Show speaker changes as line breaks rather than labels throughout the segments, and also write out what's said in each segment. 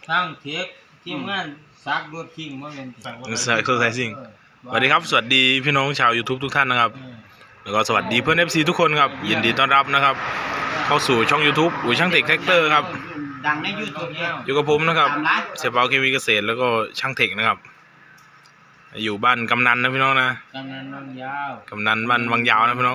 ทั้งเทคทีมงานซักรถทิ้งมาเป็น
สักไซซิ่งสวัสดีครับสวัสดีพี่น้องชาว YouTube ทุกท่านนะครับแล้วก็สวัสดีเพื่อน FC ทุกคนครับยินดีต้อนรับนะครับเข้าสู่ช่อง YouTube อุ๋ยช่างเทคแท็กเตอร์ครับ
ดังใน YouTube แล้ว
อยู่กับผมนะครับเสียเปาเคมีเกษตรแล้วก็ช่างเทคนะครับอยู่บ้านกำนันนะพี่น้องนะ
กำนันบางยาว
กำนันบ้านบางยาวนะพี่น้อง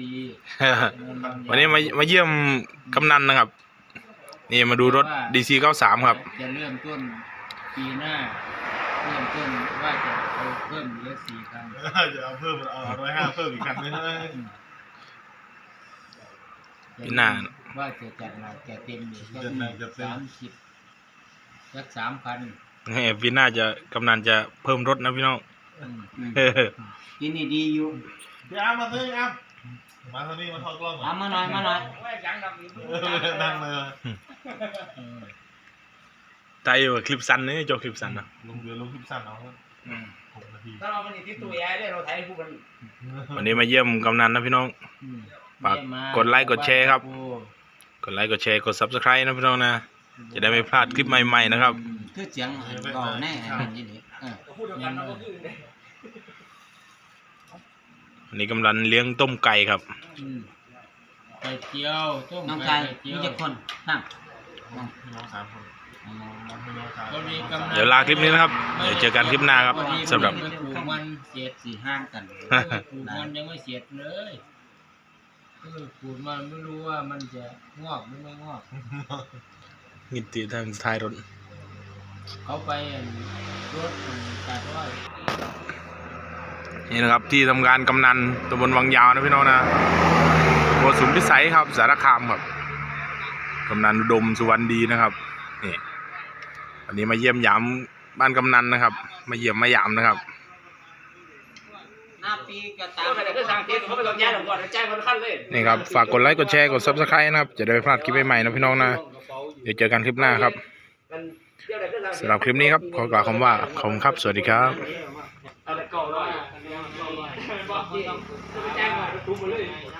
วันนี้มาเยี่ยมกำนันนะครับนี่มาดูรถ DC 93ครับ
จะเริ่มต้นปีหน้าเริ่มต้นว่าจะเอาเพิ่มเหลือ4 คัน
จะเอาเพิ่ม105เพิ่มอีกคันนึง
ปีหน้า
ว่าจะจัดหนักจะเต็มอยู่สัก30สัก3 คัน
ปีหน้าจะกำนันจะเพิ่มรถนะพี่น้อง
ที่นี่ดีอยู่
พี่อาร์มมาซื้ออาร์มมาเท่านี้มาทอดกล้อง
มาหน่อยนั่งเลย
ใจว่าคลิปสั้นนี่จบคลิปสั้นนะ
ลงคลิปสั้นเอา6 นาที
ถ้าเราเป็นที่ตัวใหญ่ได้เราถ่ายคู่กัน
วันนี้มาเยี่ยมกำนันนะพี่น้องฝากกดไลค์กดแชร์ครับกดไลค์กดแชร์กด Subscribe นะพี่น้องนะจะได้ไม่พลาดคลิปใหม่ๆนะครับ
คือเสียงก่อนแน่นี่
วันนี้กำลังเลี้ยงต้มไก่ครับ
ไก่เจียวต้มไก่มีกี่คนนั่ง
พี่น้อง3 คน
เดี๋ยวลาคลิปนี้นะครับเดี๋ยวเจอกันคลิปหน้าครับสำหรับ
ปลูกมันเสียด4-5 กันปลูกมันยังไม่เสียดเลยปลูกมันไม่รู้ว่ามันจะงอกหรือไม่งอก
งิติทางท้ายรถ
เขาไปรถตัดอ้อย
นี่นะครับที่ทำการกำนันตำบลวังยาวนะพี่น้องนะโกสุมพิสัยครับสารคามครับกำนันอุดมสุวรรณดีนะครับนี่วันนี้มาเยี่ยมยามบ้านกำนันนะครับมาเยี่ยมมายามนะครับนี่ครับฝากกดไลค์กดแชร์กด Subscribe นะครับจะได้ไม่พลาดคลิปใหม่ๆนะพี่น้องนะเดี๋ยวเจอกันคลิปหน้าครับสำหรับคลิปนี้ครับขอกล่าวคำว่าขอบคุณครับสวัสดีครับ
เอาแต่ก่อนเลย